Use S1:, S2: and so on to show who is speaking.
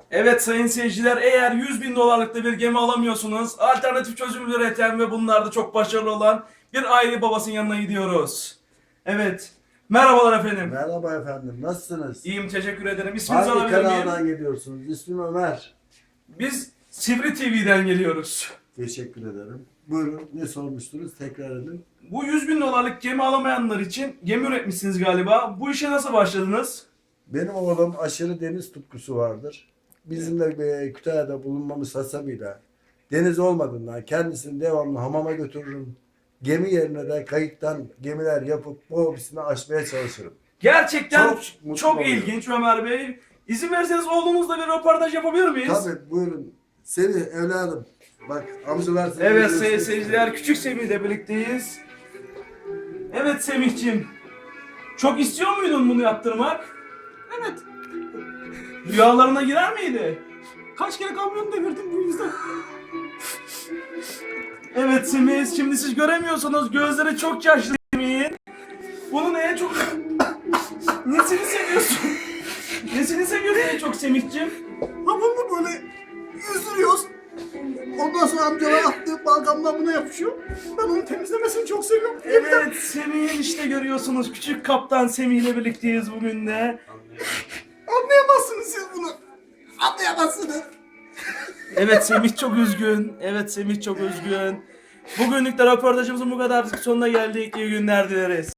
S1: Evet sayın seyirciler, eğer 100 bin dolarlık da bir gemi alamıyorsunuz, alternatif çözüm üreten ve bunlarda çok başarılı olan bir aile babasının yanına gidiyoruz. Evet, merhabalar efendim.
S2: Merhaba efendim, nasılsınız?
S1: İyiyim, teşekkür ederim. İsminizi
S2: Hangi
S1: alabilir miyim?
S2: kanaldan geliyorsunuz? İsmim Ömer.
S1: Biz Sivri TV'den geliyoruz.
S2: Teşekkür ederim. Buyurun, ne sormuştunuz? Tekrar edin.
S1: Bu 100 bin dolarlık gemi alamayanlar için gemi üretmişsiniz galiba. Bu işe nasıl başladınız?
S2: Benim oğlum aşırı deniz tutkusu vardır. Bizim de Kütahya'da bulunmamız hasabıyla deniz olmadığından kendisini devamlı hamama götürürüm. Gemi yerine de kayıktan gemiler yapıp bu hobisini aşmaya çalışırım.
S1: Gerçekten
S2: Çok mutlu
S1: çok
S2: oluyorum.
S1: ilginç Ömer Bey. İzin verirseniz oğlunuzla bir röportaj yapabilir miyiz?
S2: Tabii buyurun. Seni evladım. Bak amcalar seni
S1: Evet
S2: görüşmek
S1: sayın seyirciler, küçük Semih ile birlikteyiz. Evet Semih'ciğim, çok istiyor muydun bunu yaptırmak?
S3: Evet.
S1: Rüyalarına girer miydi?
S3: Kaç kere kamyon devirdim bu yüzden.
S1: Evet Semih, şimdi siz göremiyorsunuz, gözleri çok yaşlı Semih'in. Bunun en çok... Nesini seviyorsun? Nesini seviyorsun en çok Semih'ciğim?
S3: Hamamda böyle yüzdürüyoruz. Ondan sonra amcalar attığı balgamdan buna yapışıyor. Ben onu temizlemesini çok seviyorum.
S1: Evet Semih'in işte görüyorsunuz, küçük kaptan Semih ile birlikteyiz bugün de.
S3: Anlayamazsınız siz bunu. Anlayamazsınız.
S1: Evet Semih çok üzgün. Evet Semih çok üzgün. Bugünlük de röportajımızın bu kadar sonuna geldik. İyi günler dileriz.